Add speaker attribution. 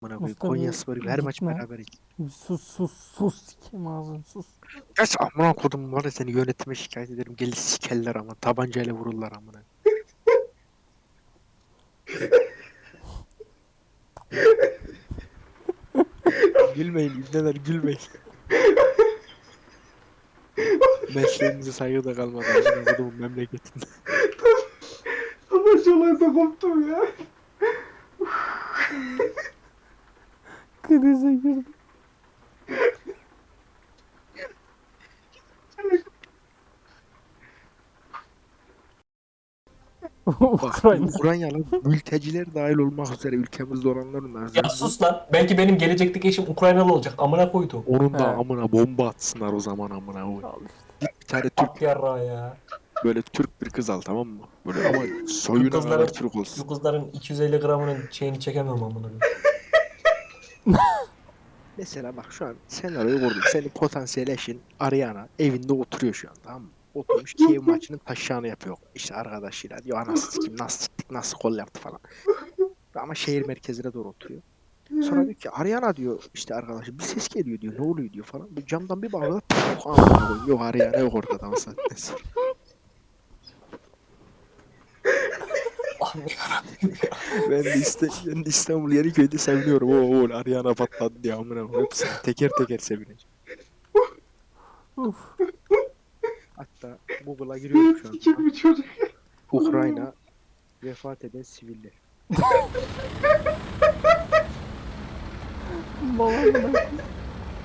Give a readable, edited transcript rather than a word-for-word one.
Speaker 1: Amına koyayım.
Speaker 2: Mustafa
Speaker 1: Konyaspor gibi her maç
Speaker 2: gitme.
Speaker 1: beraberiz.
Speaker 2: Sus sikeyim ağzını sus.
Speaker 1: Geç amına kodum var ya, seni yönetime şikayet ederim. Gelir sikerler ama tabancayla vururlar amına. Gülmeyin ibneler, gülmeyin. Mesleğimize saygı da kalmadı amına kodumun memleketinde.
Speaker 3: Tabancalarda koptum ya.
Speaker 2: Krize girdim.
Speaker 1: Bak
Speaker 2: Ukrayna.
Speaker 1: Ukraynalı mülteciler dahil olmak üzere ülkemizde olanların
Speaker 3: Ya
Speaker 1: azınlığı,
Speaker 3: sus lan. Belki benim gelecekteki eşim Ukraynalı olacak. Amına koydum.
Speaker 1: onun da
Speaker 2: He.
Speaker 1: amına bomba atsınlar o zaman amına koyayım.
Speaker 2: Al işte.
Speaker 1: Git bir tane Türk,
Speaker 3: At yarrağı ya.
Speaker 1: böyle Türk bir kız al, tamam mı? Böyle ama
Speaker 3: Şu
Speaker 1: soyuna kadar
Speaker 3: kızların,
Speaker 1: Türk olsun.
Speaker 3: şu kızların 250 gramının şeyini çekemem amına koyayım.
Speaker 1: Mesela bak şu an senaryoyu kurdum. Senin potansiyel eşin Ariana evinde oturuyor şu an, tamam mı? Oturmuş Kiev maçının taşağını yapıyor. İşte arkadaşıyla diyor, anasını sikeyim nasıl siktik nasıl gol yaptı falan. Ama şehir merkezine doğru oturuyor. Sonra diyor ki Ariana diyor, işte arkadaşı bir ses geliyor diyor, ne oluyor diyor falan. Bir camdan bir bakıyor, puf, amına koyayım, yok Ariana yok ortada o saatten sonra.
Speaker 3: Allah'ım yarabbim ya.
Speaker 1: Ben de İstanbul Yeniköy'de seviniyorum. Oo Ariana patladı diye amına koyayım. Hepsini teker teker sevineceğim.
Speaker 2: Uf.
Speaker 1: Hatta Google'a giriyorum şu an.
Speaker 3: Sikir bir çocuk.
Speaker 1: Ukrayna vefat eden siviller.
Speaker 2: Babamın